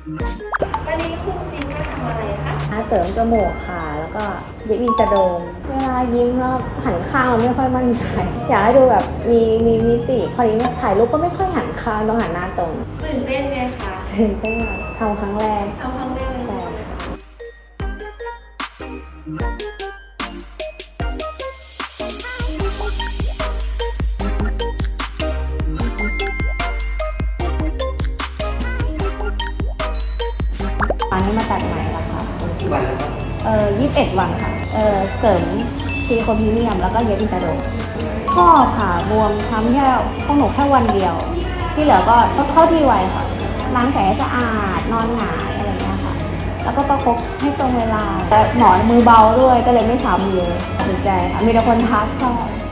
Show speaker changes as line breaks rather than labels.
วันนี้คุณจินมาทำอะไรคะ
เสริมจมูกค่ะแล้วก็เย็บอินเตอร์โดมเวลายิ้มแล้วหันข้างเราไม่ค่อยมั่นใจอยากให้ดูแบบมีมิติพอดีเนี่ยถ่ายรูปก็ไม่ค่อยหันข้างต้องหันหน้าตรง
ตื่นเต้นไหมคะ
ตื่นเต้นทำครั้งแรก
ทำครั้งแรกเลย
ใช่อันนี้มาตัดใหม่แล้วค่ะ
กี่วันแล้วครับ
21 วันค่ะเสริมซิลิโคนพรีเมียมแล้วก็เย็บอินเตอร์โดมชอบค่ะบวมช้ำแค่ของหนูแค่วันเดียวที่เหลือก็เข้าที่ไวค่ะล้างแผลสะอาดนอนหงายอะไรเงี้ยค่ะแล้วก็ประคบให้ตรงเวลาแต่หมอนมือเบาด้วยก็เลยไม่ช้ำเยอะสนใจค่ะมีแต่คนทักชอบ